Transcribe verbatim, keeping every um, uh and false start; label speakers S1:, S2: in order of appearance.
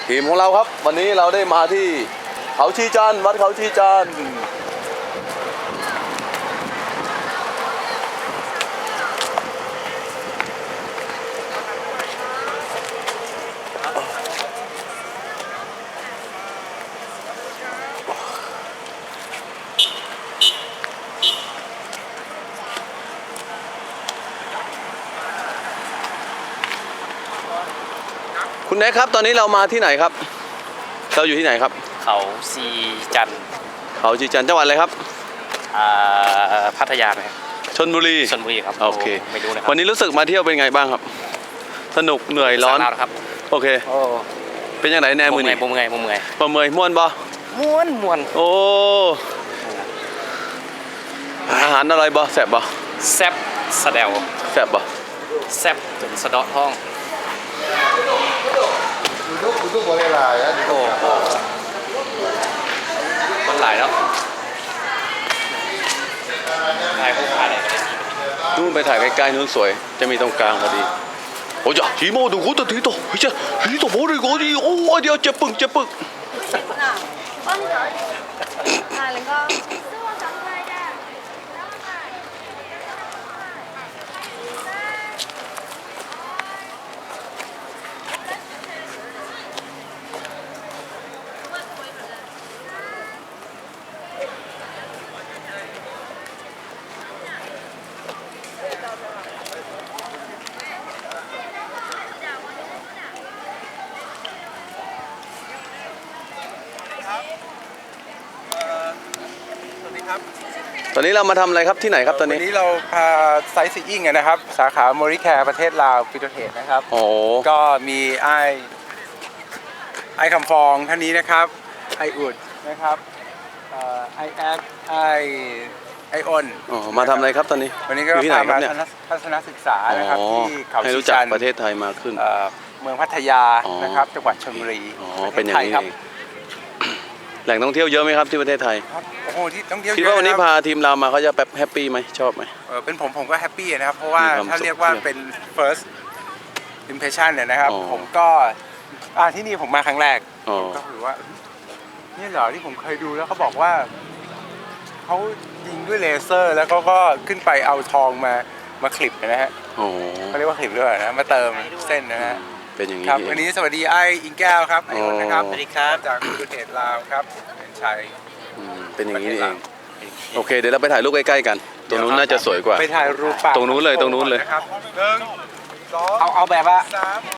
S1: ทีมของเราครับวันนี้เราได้มาที่เขาชีจันทร์วัดเขาชีจันทร์คุณแน็กครับตอนนี้เรามาที่ไหนครับเราอยู่ที่ไหนครับ
S2: เขาชีจันทร์
S1: เขาชีจันทร์จังหวัดอะไรครับ
S2: พัทยาไหม
S1: ชลบุรี
S2: ชลบุรีครับ
S1: โอเค
S2: ไม่รู้นะครับ
S1: วันนี้รู้สึกมาเที่ยวเป็นไงบ้างครับสนุกเหนื่อยร้อน
S2: ครับ
S1: โอเคเป็นยังไงแน่มือนี่
S2: มุมไงมุมไง
S1: ประเมยม่วนบ่
S2: ม่วนม่วน
S1: โอ้อาหารอะไรบ่แซ่บบ่
S2: แซ่บสะเดว
S1: แซ่บบ่
S2: แซ่บจนสะเดาะท้อง
S3: ดูดูดูบริลายอ่ะ
S2: โอ้โหมันหลายแล้วถ่ายพวกถ่ายอะไรก็ได้
S1: นู่นไปถ่ายใกล้ๆนู่นสวยจะมีตรงกลางพอดีโอ้ยจีโมดูกูตัวทีโตเฮ้ยจ้ะทีโตโมดิโกดิโอ้เดี๋ยวเจ็บปึกเจ็บปึกตอนนี้เรามาทำอะไรครับที่ไหนครับตอนนี้
S3: วันนี้เราพาไซต์ซีอิ้งนะครับสาขาโมริแคร์ประเทศลาวฟิโตเทสนะครับ
S1: โอ้
S3: ก็มีไอไอคำฟองท่านนี้นะครับไออุดนะครับไอแอดไอไอออน
S1: อ๋อมาทำอะไรครับตอนนี้
S3: วันนี้ก็พามาทัศนศึกษานะครับที่เขา
S1: ให้รู้จักประเทศไทยมากขึ้น
S3: เมืองพัทยานะครับจังหวัดชลบุรี
S1: อ๋อเป็นอย่างนี้เองแหล่งท่องเที่ยวเยอะไหมครับที่ประเทศไทย
S3: โอ้โหที่ท่องเที่ยวเยอะ
S1: คิดว่าวันนี้พาทีมเรามาเขาจะแบบแฮปปี้ไหมชอบไหม
S3: เออเป็นผมผมก็แฮปปี้นะครับเพราะว่าถ้าเรียกว่าเป็น first impression เนี่ยนะครับผมก็อ่าที่นี่ผมมาครั้งแรกก็ถือว่านี่เหรอที่ผมเคยดูแล้วเขาบอกว่าเขายิงด้วยเลเซอร์แล้วก็ก็ขึ้นไปเอาทองมามาคลิปนะฮะเขาเรียกว่าคลิปด้วยนะมาเติมเส้นนะฮะ
S1: เป็นอย่างนี้
S3: ครับวันนี้สวัสดีไอ้อิงแก้วครับไอ้คนนะครับ
S2: สวัสดีครับ
S3: จากประเทศลาวครับเป็นชัย
S1: เป็นอย่างนี้เองโอเคเดี๋ยวเราไปถ่ายรูปใกล้ๆกันตรงนู้นน่าจะสวยกว่า
S3: ไปถ่ายรูป
S1: ตรงนู้นเลยตรงนู้นเลย
S3: ครับหนึ่งสอง
S2: เอาเอาแบบว่า